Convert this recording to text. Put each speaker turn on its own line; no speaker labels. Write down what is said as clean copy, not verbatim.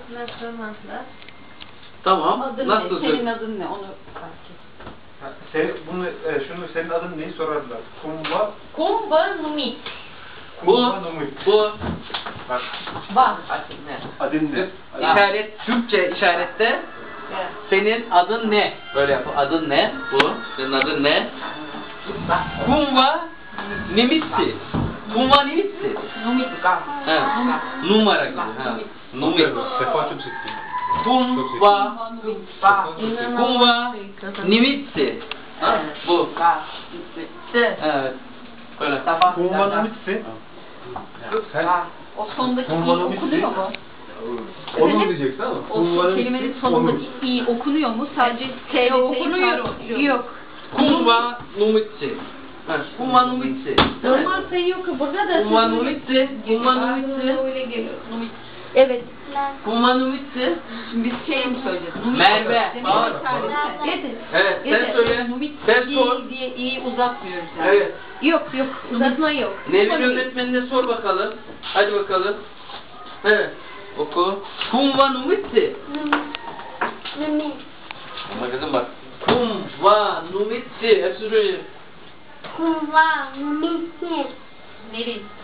sorusuna sormazlar.
Tamam.
Adın
Nasıl
ne? Senin
söyle?
adın ne? Onu fark et.
Şunu senin adın neyi sorarlar? Kumba.
Kumba numit.
Bu.
Numit.
Bu.
Bak.
Bak.
Adın ne?
İşaret, Türkçe işarette senin adın ne? Böyle yap. Adın ne? Bu. Senin adın ne? Kumva Nimitsi. Kumva Nimitsi.
Numit.
Ha. Numara gibi. Ha. Numit.
Sefa çok seksi.
Kumva Kumva Nimitsi. Ha? Bu. Evet. Böyle.
Kumba Numit'si. Sen
O sondaki
Kumba
i
Numit'si.
okunuyor mu?
onu diyeceksin ama.
O kelimenin sonundaki i okunuyor mu? Sadece t
okunuyor.
Yok.
Kumva Nimitsi. Ha. Kumva Nimitsi.
Normal sayı yok ki burada da.
Kumva Nimitsi. Kumva Nimitsi.
Öyle geliyor. Numit.
Evet.
Kumva Nimitsi.
Şimdi biz şey mi söyleyeceğiz?
Merve. Bağır.
Yeter.
Evet, sen söyle.
Numit
Sen sor.
i diye i uzatmıyoruz yani.
Evet.
Yok yok.
Uzatma yok.
Nevin öğretmenine sor bakalım. Hadi bakalım. Evet. Oku. Kumva Numitsi.
Numit.
Ama kızım bak. Kumva Numitsi. Hepsi söyleyeyim.
Kumva. Numit.
Nevin.